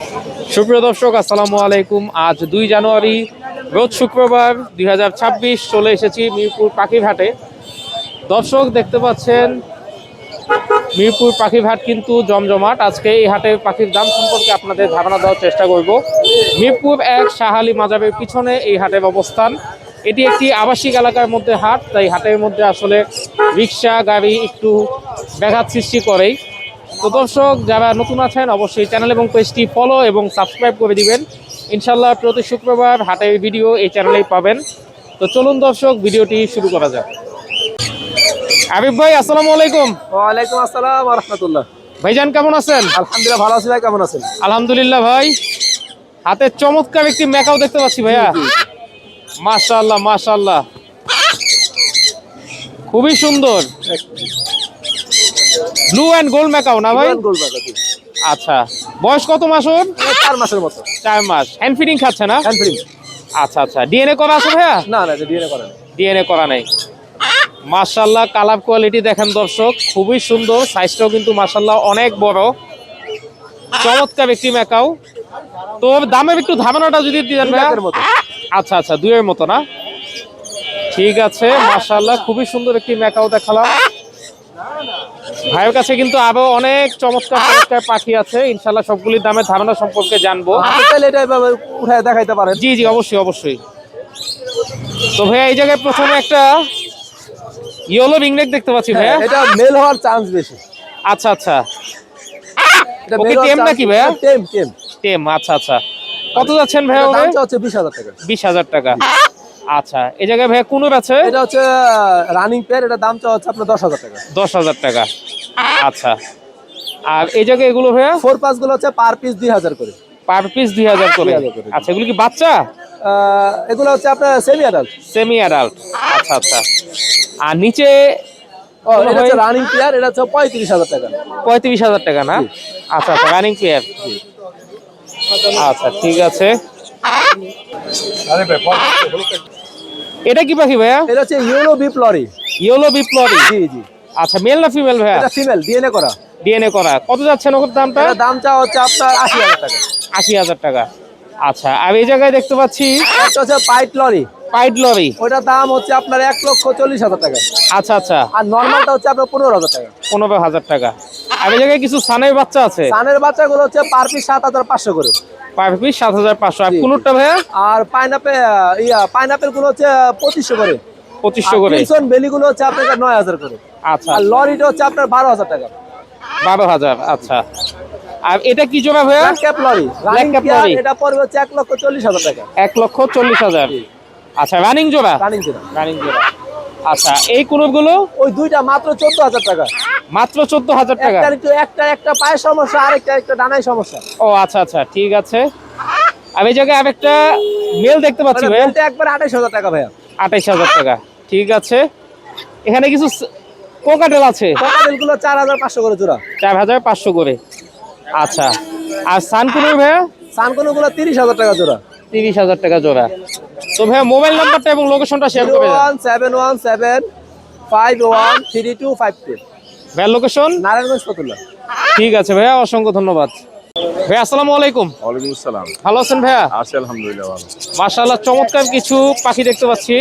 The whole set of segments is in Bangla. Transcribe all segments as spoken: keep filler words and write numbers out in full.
সুপ্রিয় দর্শক, আসসালামু আলাইকুম। আজ দুই জানুয়ারি রোজ শুক্রবার দুই হাজার ছাব্বিশ চলে এসেছি মিরপুর পাখির হাটে। দর্শক দেখতে পাচ্ছেন মিরপুর পাখির হাট কিন্তু জমজমাট। আজকে এই হাটের পাখির দাম সম্পর্কে আপনাদের ধারণা দেওয়ার চেষ্টা করব। মিরপুর এক শাহ আলী মাজারের পিছনে এই হাটের অবস্থান। এটি একটি আবাসিক এলাকার মধ্যে হাট, তাই হাটের মধ্যে আসলে রিক্সা গাড়ি একটু ব্যাঘাত সৃষ্টি করেই। তো দর্শক, যারা নতুন আছেন অবশ্যই চ্যানেল এবং পেজটি ফলো এবং সাবস্ক্রাইব করে দিবেন। ইনশাল্লাহ প্রতি শুক্রবার হাটের ভিডিও এই চ্যানেলেই পাবেন। তো চলুন দর্শক, ভিডিওটি শুরু করা যাক। আবিব ভাই, আসসালামু আলাইকুম। ওয়ালাইকুম আসসালাম ওয়া রাহমাতুল্লাহ। ভাইজান কেমন আছেন? আলহামদুলিল্লাহ ভালো আছি। ভাই কেমন আছেন? আলহামদুলিল্লাহ ভাই। হাতে চমৎকার একটি ম্যাকাও দেখতে পাচ্ছি ভাইয়া। মাশাআল্লাহ মাশাআল্লাহ, খুবই সুন্দর। ব্লু এন্ড গোল্ড ম্যাকাও না ভাই? গোল বাগা জি। আচ্ছা, বয়স কত মাস ওর? চার মাসের মতো। চার মাস। হ্যান্ড ফিডিং খাচ্ছে না? Hand free. আচ্ছা আচ্ছা, ডিএনএ করা আছে ভাইয়া? না না, ডিএনএ করেন। ডিএনএ করা নাই। মাশাআল্লাহ, কালার কোয়ালিটি দেখেন দর্শক, খুবই সুন্দর। সাইজটাও কিন্তু মাশাআল্লাহ অনেক বড়, চমৎকার একটি ম্যাকাও। তো দামের একটু ধারণাটা যদি দিতেন ভাইয়া। আচ্ছা আচ্ছা, দুইয়ের মতো না? ঠিক আছে, মাশাআল্লাহ খুবই সুন্দর একটি ম্যাকাও দেখালাম। ভাইয়ের কাছে কিন্তু আরো অনেক চমৎকার চমৎকার পাখি আছে, ইনশাআল্লাহ সবগুলির দামের ধারণা সম্পর্কে জানবো। তাহলে এটা এভাবে উঠায় দেখাইতে পারেন। জি জি, অবশ্যই অবশ্যই। তো ভাইয়া, এই জায়গায় প্রথমে একটা ইয়েলো রিংনেক দেখতে পাচ্ছি ভাইয়া। এটা মেল হওয়ার চান্স বেশি। আচ্ছা আচ্ছা, এটা ওকে মেল হওয়ার টেম চান্স নাকি ভাইয়া? টেম টেম। টেম, আচ্ছা আচ্ছা। কত যাচ্ছেন ভাইয়া ওরে? দামটা হচ্ছে বিশ হাজার টাকা। বিশ হাজার টাকা। আচ্ছা, এই জায়গায় ভাইয়া কুনুর আছে? এটা হচ্ছে রানিং পেয়ার। এটা দামটা হচ্ছে আপনার দশ হাজার টাকা। দশ হাজার টাকা। আচ্ছা, আর এই জায়গায় এগুলো ভাইয়া? ফোর পাস গুলো হচ্ছে পার পিস দুই হাজার করে। পার পিস দুই হাজার করে। দুই হাজার করে। আচ্ছা, এগুলো কি বাচ্চা? আহ, এগুলো হচ্ছে আপনার সেমি অ্যাডাল্ট। Semi adult. আচ্ছা আচ্ছা। আর নিচে ও, এটা হচ্ছে রানিং পেয়ার। এটা হচ্ছে পঁয়ত্রিশ হাজার টাকা। পঁয়ত্রিশ হাজার টাকা না? আচ্ছা আচ্ছা, রানিং পেয়ার। আচ্ছা ঠিক আছে। এটা কি পাখি ভাইয়া? এটা হচ্ছে ইয়েলো বিপ লরি। ইয়েলো বিপ্লবী। জি জি। আচ্ছা, মেল না ফিমেল ভাইয়া? এটা ফিমেল, ডিএনএ করা। ডিএনএ করা। কত যাচ্ছেন ওর দামটা? এটা দামটা হচ্ছে আপনার আশি হাজার টাকা। আশি হাজার টাকা। আচ্ছা, আর এই জায়গায় দেখতে পাচ্ছি একটা হচ্ছে পাইট লরি। Pied lorry. ওটার দাম হচ্ছে আপনার এক লক্ষ চল্লিশ হাজার টাকা। আচ্ছা আচ্ছা, আর নর্মালটা হচ্ছে আপনার পনেরো হাজার টাকা। পনেরো হাজার টাকা। আর এই জায়গায় কিছু সানের বাচ্চা আছে। সানের বাচ্চাগুলো হচ্ছে পার পিস সাত হাজার পাঁচশো করে। পার পিস সাত হাজার পাঁচশো। আর জি, জি। কুনুরটা ভাইয়া? আর পাইনাপেল ইয়া পাইনাপেল গুলো হচ্ছে পঁচিশশো করে। পঁচিশশো করে। টিনসন বেলি গুলো হচ্ছে আপনার নয় হাজার করে। আচ্ছা, আর লরিটা হচ্ছে আপনার বারো হাজার টাকা। বারো হাজার। আচ্ছা, আর এটা কি জোড়া ভাইয়া? Black cap lory. Running cap pair. Lory. এটা পড়বে হচ্ছে এক লক্ষ চল্লিশ হাজার টাকা। এক লক্ষ চল্লিশ হাজার। আচ্ছা, রানিং জোড়া? রানিং যেটা। রানিং জোড়া। আচ্ছা, এই কুনুর গুলো? ওই দুইটা মাত্র চোদ্দ হাজার টাকা। মাত্র চোদ্দ হাজার টাকা। একটা একটু একটা একটা পায়ের সমস্যা, আরেকটা একটা ডানায় সমস্যা। ও আচ্ছা আচ্ছা, ঠিক আছে। আর এই জায়গায় আরেকটা মেল দেখতে পাচ্ছি মানে ভাইয়া। বলতে একবার আঠাইশ হাজার টাকা ভাইয়া। আঠাইশ হাজার টাকা। ঠিক আছে। এখানে কিছু কোকাটেল আছে। কোকাটেল গুলো চার হাজার পাঁচশো করে জোড়া। চার হাজার পাঁচশো করে। আচ্ছা, আর সানকুনুর ভাইয়া? সানকোনো গুলো তিরিশ হাজার টাকা জোড়া। তিরিশ হাজার টাকা জোড়া। তো ভাইয়া, মোবাইল নাম্বারটা এবং লোকেশনটা শেয়ার জিরো করে দেন। One seven one seven five one three two five two. ভাইয়া লোকেশন? নারায়ণগঞ্জ ফতুল্লা। ঠিক আছে ভাইয়া, অসংখ্য ধন্যবাদ। ভাইয়া আসসালামু আলাইকুম। ওয়ালাইকুম আসসালাম। ভালো আছেন ভাইয়া? আছি আলহামদুলিল্লাহ ভালো। মাশাআল্লাহ, চমৎকার কিছু পাখি দেখতে পাচ্ছি।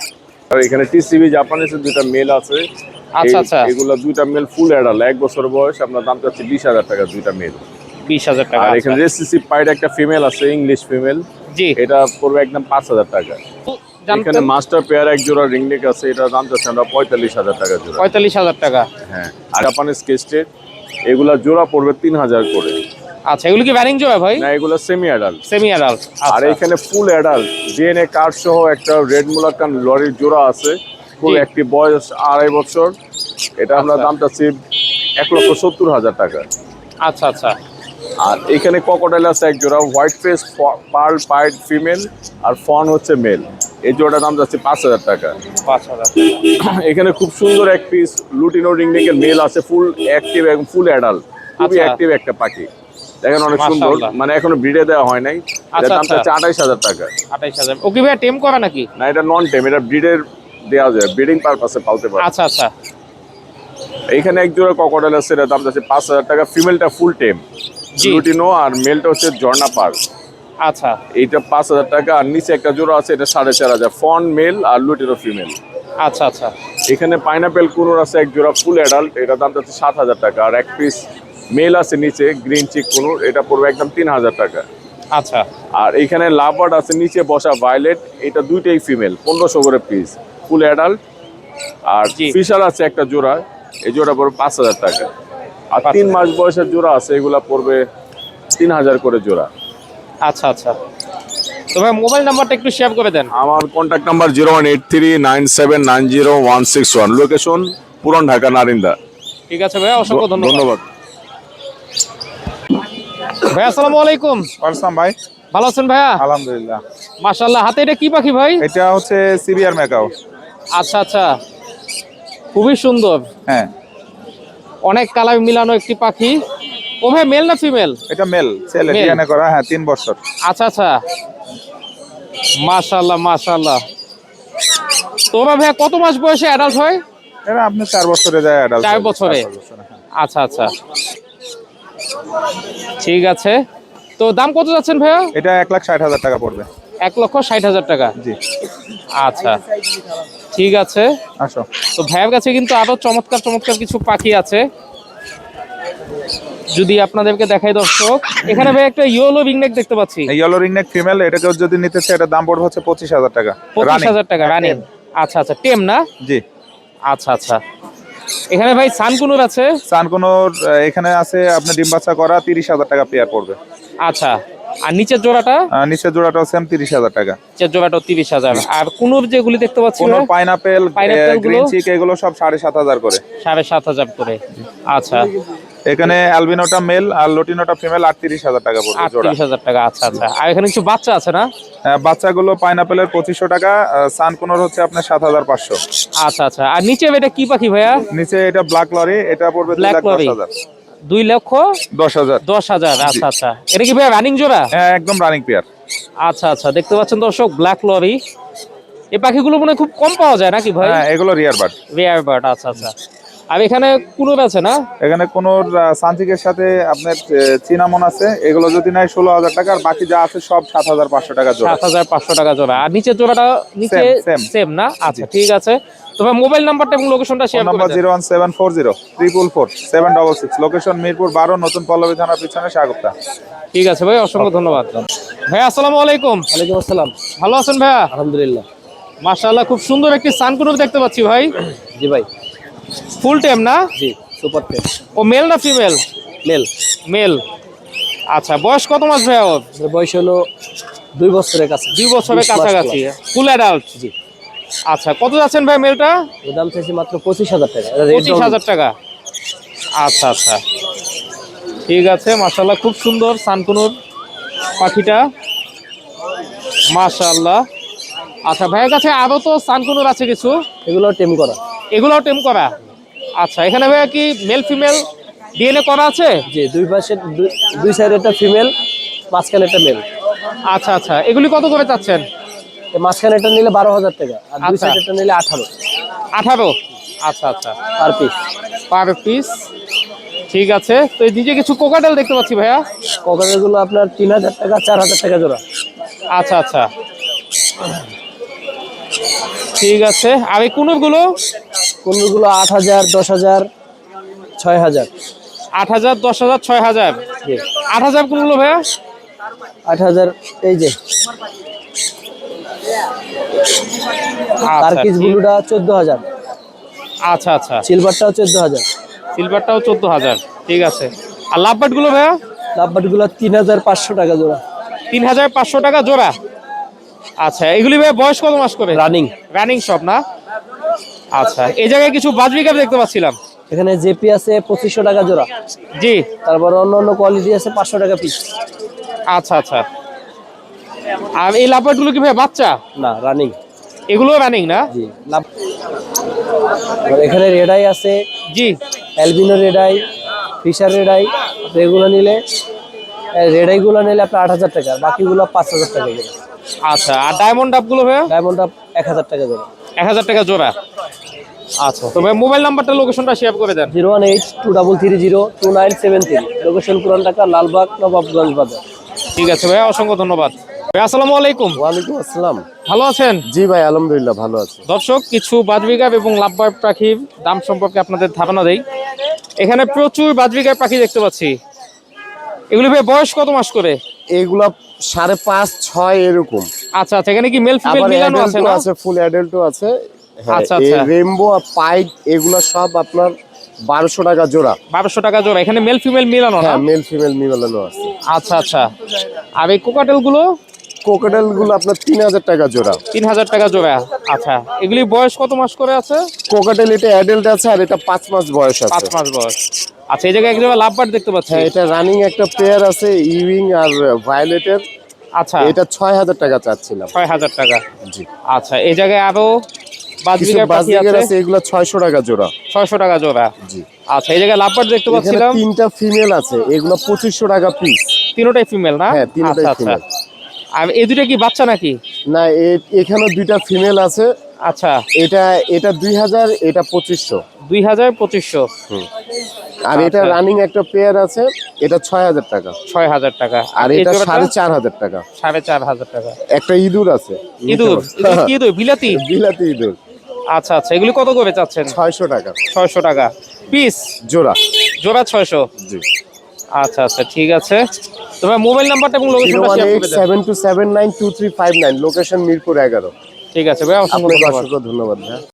আর এখানে টিসিবি জাপানিজের দুইটা মেল আছে। আচ্ছা এই- আচ্ছা, এগুলা দুইটা মেল ফুল অ্যাডাল্ট, এক বছর বয়স। আপনার দাম চাচ্ছে বিশ হাজার টাকা দুইটা মেল। বিশ হাজার টাকা। আর এখানে রেসিসি পাইড একটা ফিমেল আছে, ইংলিশ ফিমেল। জি, এটা পড়বে একদম পাঁচ হাজার টাকা। এখানে জানতেন? মাস্টার পেয়ার এক জোড়া রিংনেক আছে, এটার দাম চাচ্ছে আমরা পঁয়তাল্লিশ হাজার টাকা জোড়া। পঁয়তাল্লিশ হাজার টাকা। হ্যাঁ, আর জাপানিজ কেস্টেড এগুলা জোড়া পড়বে তিন হাজার করে। আচ্ছা, এগুলো কি ব্যারিং জোড়া ভাই? না, এগুলো সেমি অ্যাডাল্ট। Semi adult. আর এখানে ফুল অ্যাডাল্ট ডিএনএ কার্ড সহ একটা রেড মুলাকান লরির জোড়া আছে, ফুল জি। একটি বয়স আড়াই বছর। এটা আমরা আচ্ছা। দাম চাচ্ছি এক লক্ষ সত্তর হাজার টাকা। আচ্ছা আচ্ছা, আর এখানে ককোডাইল আছে এক জোড়া, white face pearl pied female আর ফন হচ্ছে মেল। এই জোড়াটার দাম যাচ্ছে পাঁচ হাজার টাকা। পাঁচ হাজার। এখানে খুব সুন্দর এক পিস লুটিনো রিংনেকের মেল আছে, ফুল অ্যাক্টিভ এবং ফুল অ্যাডাল্ট, খুবই আচ্ছা। অ্যাক্টিভ একটা পাখি। দেখেন অনেক সুন্দর, মাশাআল্লাহ। মানে এখনো ব্রিডে দেওয়া হয় নাই। এটার আচ্ছা, দাম আচ্ছা। চাচ্ছে আঠাইশ হাজার টাকা। আঠাইশ হাজার। ওকে ভাইয়া, টেম করা নাকি? না, এটা নন টেম, এটা ব্রিডের দেওয়া যায়, ব্রিডিং পারপাসে পালতে পারে। আচ্ছা আচ্ছা, এইখানে এক জোড়া ককোডাইল আছে, এটার দাম যাচ্ছে পাঁচ হাজার টাকা। ফিমেলটা ফুল টেম। জি। লুটিনো, আর মেলটা হচ্ছে ঝর্ণা পার্ল। আচ্ছা এইটা পাঁচ হাজার টাকা, আর নিচে একটা জোড়া আছে এটা সাড়ে চার হাজার, ফন মেল আর লুটিনো ফিমেল। আচ্ছা আচ্ছা এখানে পাইনাপেল কুনুর আছে এক জোড়া ফুল অ্যাডাল্ট, এটা দাম যাচ্ছে সাত হাজার টাকা। আর এক পিস মেল আছে নিচে গ্রিন চিক কুনুর, এটা পড়বে একদম তিন হাজার টাকা। আচ্ছা আর এইখানে লাভবার্ড আছে নিচে বসা ভায়োলেট, এটা দুইটাই ফিমেল, পনেরোশো করে পিস, ফুল অ্যাডাল্ট। আর জি। ফিশার আছে একটা জোড়া, এই জোড়া পড়বে পাঁচ হাজার টাকা। আর পাঁচ তিন মাস বয়সের জোড়া আছে, এগুলা পড়বে তিন হাজার করে জোড়া। আচ্ছা আচ্ছা তো ভাই মোবাইল নাম্বারটা একটু শেয়ার করে দেন। আমার contact number zero one eight three nine seven nine zero one six one, location পুরান ঢাকা নারিন্দা। ঠিক আছে ভাই, অসংখ্য ধন্যবাদ। ধন্যবাদ ভাই আসসালামু আলাইকুম। ওয়ালাইকুম ভাই, ভালো আছেন ভাইয়া? আলহামদুলিল্লাহ। মাশাআল্লাহ, হাতে এটা কি পাখি ভাই? এটা হচ্ছে সিবিআর ম্যাকাও। আচ্ছা আচ্ছা, খুবই সুন্দর, হ্যাঁ, অনেক কালার মিলানো একটি পাখি। ও ভাই মেল না ফিমেল? এটা মেল, ছেলে, Male? ডিএনএ করা, হ্যাঁ, তিন বছর। আচ্ছা আচ্ছা, মাশাআল্লাহ মাশাআল্লাহ। তো ভাই ভাইয়া কত মাস বয়সে অ্যাডাল্ট হয়? এটা আপনি চার বছরে যায় অ্যাডাল্ট। চার বছরে? আচ্ছা আচ্ছা, ঠিক আছে। তো দাম কত যাচ্ছেন ভাইয়া? এটা এক লাখ ষাট হাজার টাকা পড়বে। এক লক্ষ ষাট হাজার টাকা। জি, আচ্ছা ঠিক আছে। আসো। তো ভাইয়ের কাছে কিন্তু আরো চমৎকার চমৎকার কিছু পাখি আছে, যদি আপনাদেরকে দেখাই দর্শক। এখানে ভাই একটা ইয়েলো রিংনেক দেখতে পাচ্ছি। এই ইয়েলো রিংনেক ফিমেল, এটাকে যদি নিতে চাই এটার দাম পড়বে হচ্ছে পঁচিশ হাজার টাকা। পঁচিশ হাজার টাকা রানিং? আচ্ছা আচ্ছা, টেম না? জি। আচ্ছা আচ্ছা, এখানে ভাই সানকুনুর আছে। সানকুনোর এখানে আছে আপনার ডিম বাচ্চা করা, তিরিশ হাজার টাকা পেয়ার পড়বে। আচ্ছা, আর নিচের জোড়াটা? আহ, নিচের জোড়াটাও সেম তিরিশ হাজার টাকা। নিচের জোড়াটাও তিরিশ হাজার। আর কুনুর যেগুলি দেখতে পাচ্ছি কোনো ভাই? পাইনাপেল, Pineapple গুলো? গ্রিন চিক, এগুলো সব সাড়ে সাত হাজার করে। সাড়ে সাত হাজার করে। আচ্ছা, এখানে অ্যালবিনোটা মেল আর লুটিনোটা ফিমেল, আটত্রিশ হাজার টাকা পড়বে জোড়া। আটত্রিশ হাজার টাকা। আচ্ছা আচ্ছা, আর এখানে কিছু বাচ্চা আছে না? হ্যাঁ, বাচ্চাগুলো পাইনাপেলের পঁচিশশো টাকা, সানকুনোর হচ্ছে আপনার সাত হাজার পাঁচশো। আচ্ছা আচ্ছা, আর নিচে এটা কি পাখি ভাইয়া? নিচে এটা ব্ল্যাক লরি, এটা পড়বে দুই ব্ল্যাক লাখ দশ লরি, হাজার। দুই লক্ষ দশ হাজার। দশ হাজার। আচ্ছা আচ্ছা, এটা কি ভাইয়া রানিং জোড়া? হ্যাঁ, একদম রানিং পেয়ার। আচ্ছা আচ্ছা, দেখতে পাচ্ছেন দর্শক ব্ল্যাক লরি। এই পাখিগুলো মনে হয় খুব কম পাওয়া যায় নাকি ভাই? হ্যাঁ, এগুলো রিয়ার বার্ড। Rare bird. আচ্ছা আচ্ছা, আর এখানে কুনুর আছে না? এখানে কোন সানচিকের সাথে আপনার চিনামন আছে, এগুলো যদি নেয় ষোলো হাজার টাকা, আর বাকি যা আছে সব সাত হাজার পাঁচশো টাকা জোড়া। সাত হাজার পাঁচশো টাকা জোড়া। আর নিচের জোড়াটা নিচে Same, same. সেম না? আচ্ছা ঠিক আছে। তবে মোবাইল নাম্বারটা এবং লোকেশনটা শেয়ার নাম্বার করে দেন। Zero one seven four zero triple four seven double six, location Mirpur বারো, নতুন পল্লবী থানার পিছনে, স্বাগতা। ঠিক আছে ভাই, অসংখ্য ধন্যবাদ। ভাই আসসালামু আলাইকুম। ওয়ালাইকুম আসসালাম। ভালো আছেন ভাইয়া? আলহামদুলিল্লাহ। মাশাআল্লাহ, খুব সুন্দর একটি সানকুনুর দেখতে পাচ্ছি ভাই। জি ভাই। ফুল টেম না? জি, সুপার টেন। ও মেল না ফিমেল? মেল। মেল। আচ্ছা, বয়স কত মাস ভাইয়া ওর? এর বয়স হলো দুই বছরের কাছে। দুই বছরের বিশ মাস কাছাকাছি, ফুল অ্যাডাল্ট। জি। আচ্ছা, কত যাচ্ছেন ভাই মেলটা? এর দাম চাইছি মাত্র পঁচিশ হাজার টাকা। এটা red পঁচিশ dot। হাজার টাকা। আচ্ছা আচ্ছা, ঠিক আছে। মাশাআল্লাহ, খুব সুন্দর সানকুনুর পাখিটা, মাশাআল্লাহ। আচ্ছা, ভাইয়ের কাছে আরো তো সানকুনুর আছে কিছু, এগুলো টেম করা। এগুলোও টেম করা? আচ্ছা, এখানে ভাইয়া কি মেল ফিমেল ডিএনএ করা আছে? জি, দুই পাশে দুই- দুই সাইডে একটা ফিমেল, মাঝখানে একটা মেল। আচ্ছা আচ্ছা, এগুলি কত করে চাচ্ছেন? মাঝখানে একটা নিলে বারো হাজার টাকা, আর দুই আচ্ছা। সাইডে একটা নিলে আঠারো আঠারো? আচ্ছা আচ্ছা, পার পিস। Per piece. ঠিক আছে। তো এই নিচে কিছু কোকাটেল দেখতে পাচ্ছি ভাইয়া। ককারের গুলো আপনার তিন হাজার টাকা, চার হাজার টাকা জোড়া। আচ্ছা আচ্ছা, ঠিক আছে। আর এই কুনুরগুলো? কোনগুলো আট হাজার, দশ হাজার, ছয় হাজার। আট হাজার, দশ হাজার, ছয় হাজার। জি। আট হাজার কোনগুলো ভাইয়া? আট হাজার এই যে আচ্ছা, টার্কিশ ঠিক- ব্লুটা চোদ্দ হাজার, আচ্ছা আচ্ছা, সিলভারটাও চোদ্দ হাজার, সিলভারটাও চোদ্দ হাজার। ঠিক আছে। আর লাভবার্ড গুলো ভাইয়া? লাভবার্ড গুলো তিন হাজার পাঁচশো টাকা জোড়া। তিন হাজার পাঁচশো টাকা জোড়া। আচ্ছা, এগুলি ভাইয়া বয়স কত মাস করে? রানিং। রানিং সব না? আচ্ছা, এই জায়গায় কিছু বাজবি ক্যাপ দেখতে পাচ্ছিলাম। এখানে জেপি আছে পঁচিশশো টাকা জোড়া। জি। তারপর অন্য অন্য কোয়ালিটি আছে পাঁচশো টাকা পিস। আচ্ছা আচ্ছা, আর এই লাভবার্ড গুলো কি ভাইয়া বাচ্চা? না, রানিং। এগুলো রানিং না? জি। লাভ এখানে রেডাই আছে, জি। Albino ready, Fischer ready. এগুলো নিলে রেডাই গুলো নিলে আপনার আট হাজার টাকা, বাকিগুলো পাঁচ হাজার টাকা জোড়া। আচ্ছা, আর ডায়মন্ড ডাব গুলো ভাইয়া? ডায়মন্ড আপ এক হাজার টাকা জোড়া। এক হাজার টাকা জোড়া। আচ্ছা, তবে মোবাইল নাম্বারটা লোকেশনটা শেয়ার করে দেন। Zero one eight two double three zero two nine seven three, location পুরান ঢাকা, লালবাগ, নবাবগঞ্জ বাজার। ঠিক আছে ভাইয়া, অসংখ্য ধন্যবাদ। ভাই আসসালামু আলাইকুম, ওয়ালাইকুম আসসালাম। ভালো আছেন? জি ভাই, আলহামদুলিল্লাহ ভালো আছে। দর্শক, কিছু বাজবিগার এবং লাভবার পাখির দাম সম্পর্কে আপনাদের ধারণা দেই। এখানে প্রচুর বাজবিগার পাখি দেখতে পাচ্ছি। এগুলি ভাই বয়স কত মাস করে? এইগুলা সাড়ে পাঁচ ছয় এরকম। আচ্ছা আচ্ছা, এখানে কি মেল ফিমেল আবার মিলানো আছে অ্যাডাল্টও না? আছে, ফুল অ্যাডাল্টও আছে। আচ্ছা, আচ্ছা। রেইনবো আর পাইট এগুলা সব আপনার বারোশো টাকা জোড়া। বারোশো টাকা জোড়া। এখানে মেল ফিমেল মিলানো না? হ্যাঁ, মেল ফিমেল মিলানো আছে। আচ্ছা আচ্ছা। আর এই কোকাটেল গুলো? কোকাটেল গুলো আপনার তিন হাজার টাকা জোড়া। তিন হাজার টাকা জোড়া। আচ্ছা, এগুলি বয়স কত মাস করে আছে? কোকাটেল এটা অ্যাডাল্ট আছে আর এটা পাঁচ মাস বয়স পাঁচ আছে। মাস বয়স। আচ্ছা, এই জায়গায় এক জায়গায় লাভবার দেখতে পাচ্ছি। হ্যাঁ, এটা রানিং একটা পেয়ার আছে ইউইং আর ভায়োলেটের। আচ্ছা, এটা ছয় হাজার টাকা চাচ্ছিলাম। ছয় হাজার টাকা। জি। আচ্ছা, এই জায়গায় আরো কিছু বাজবিগার পাখি বাজিগার আছে, আছে, এগুলো ছয়শো টাকা জোড়া। ছয়শো টাকা জোড়া। জি। আচ্ছা, এই জায়গায় লাভবার দেখতে এখানে পাচ্ছিলাম। তিনটা ফিমেল আছে, এগুলো পঁচিশশো টাকা পিস। তিনোটাই ফিমেল না? হ্যাঁ, তিনটাই আচ্ছা আচ্ছা। ফিমেল। আর এই দুটো কি বাচ্চা নাকি? না, এ- এখানে দুইটা ফিমেল আছে। আচ্ছা, এটা এটা দুই হাজার, এটা পঁচিশশো। দুই হাজার পঁচিশশো। আর এটা আচ্ছা। রানিং একটা পেয়ার আছে, এটা ছয় হাজার টাকা। ছয় হাজার টাকা। আর এই এটা জোড়াটা? সাড়ে চার হাজার টাকা। সাড়ে চার হাজার টাকা। একটা ইঁদুর আছে, ইঁদুর? ইঁদুর কি ইঁদুর? বিলাতি? বিলাতি ইঁদুর। আচ্ছা আচ্ছা, এগুলি কত করে চাচ্ছেন? ছয়শো টাকা ছয়শো টাকা পিস? জোড়া। জোড়া ছয়শো। জি। আচ্ছা আচ্ছা, ঠিক আছে। তোমার মোবাইল নাম্বারটা এবং জিরো লোকেশনটা ওয়ান শেয়ার এইট করে দেন। Seven two seven nine two three five nine, location Mirpur এগারো। ঠিক আছে ভাই, অসংখ্য আপনাকে ধন্যবাদ। অসংখ্য ধন্যবাদ ভাই।